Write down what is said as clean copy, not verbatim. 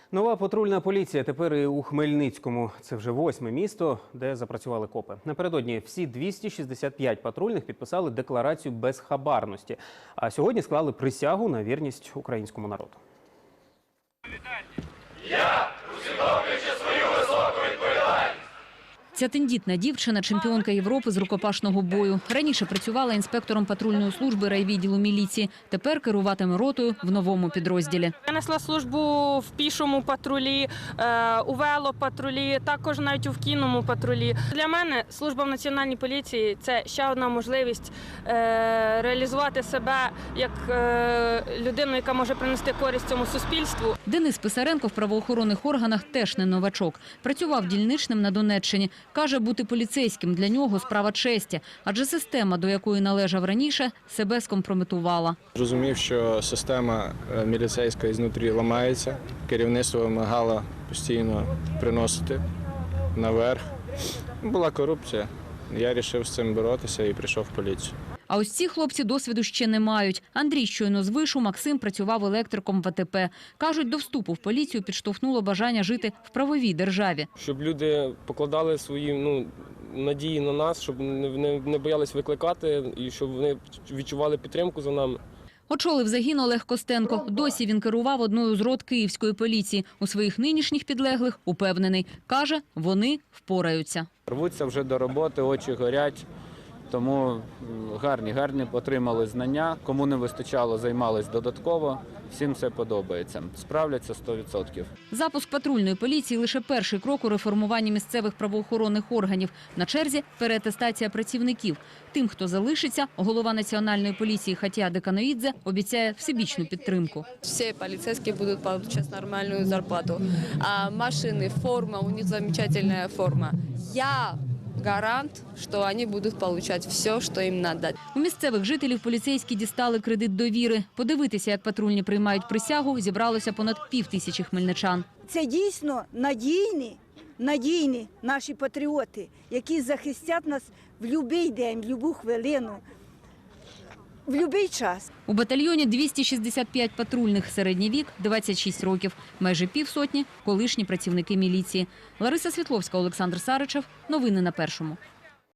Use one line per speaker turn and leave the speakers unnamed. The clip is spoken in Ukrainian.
Нова патрульна поліція тепер і у Хмельницькому. Це вже 8-ме місто, де запрацювали копи. Напередодні всі 265 патрульних підписали декларацію безхабарності. А сьогодні склали присягу на вірність українському народу.
Я усвідомлюючи свою високу відповідальність.
Ця тендітна дівчина – чемпіонка Європи з рукопашного бою. Раніше працювала інспектором патрульної служби райвідділу міліції. Тепер керуватиме ротою в новому підрозділі.
Я несла службу в пішому патрулі, у велопатрулі, також навіть у кінному патрулі. Для мене служба в Національній поліції – це ще одна можливість реалізувати себе як людину, яка може принести користь цьому суспільству.
Денис Писаренко в правоохоронних органах теж не новачок. Працював дільничним на Донеччині. Каже, бути поліцейським для нього – справа честі, адже система, до якої належав раніше, себе скомпрометувала.
Зрозумів, що система міліцейська ізнутрі ламається, керівництво вимагало постійно приносити наверх. Була корупція, я вирішив з цим боротися і прийшов в поліцію.
А ось ці хлопці досвіду ще не мають. Андрій щойно з вишу, Максим працював електриком в АТП. Кажуть, до вступу в поліцію підштовхнуло бажання жити в правовій державі.
Щоб люди покладали свої надії на нас, щоб не боялись викликати і щоб вони відчували підтримку за нами.
Очолив загін Олег Костенко. Досі він керував одною з рот київської поліції. У своїх нинішніх підлеглих упевнений. Каже, вони впораються.
Рвуться вже до роботи, очі горять. Тому гарні отримали знання. Кому не вистачало, займались додатково. Всім це подобається. Справляться 100%.
Запуск патрульної поліції – лише перший крок у реформуванні місцевих правоохоронних органів. На черзі – переатестація працівників. Тим, хто залишиться, голова Національної поліції Хатія Деканоїдзе обіцяє всебічну підтримку.
Всі поліцейські будуть отримувати нормальну зарплату. А машини, форма, у них замечательна форма. Я гарант, що вони будуть отримати все, що їм треба.
У місцевих жителів поліцейські дістали кредит довіри. Подивитися, як патрульні приймають присягу, зібралося понад 5000 хмельничан.
Це дійсно надійні наші патріоти, які захистять нас в будь-який день, в будь-яку хвилину, в будь-який час.
У батальйоні 265 патрульних, середній вік – 26 років. Майже півсотні – колишні працівники міліції. Лариса Світловська, Олександр Саричев. Новини на Першому.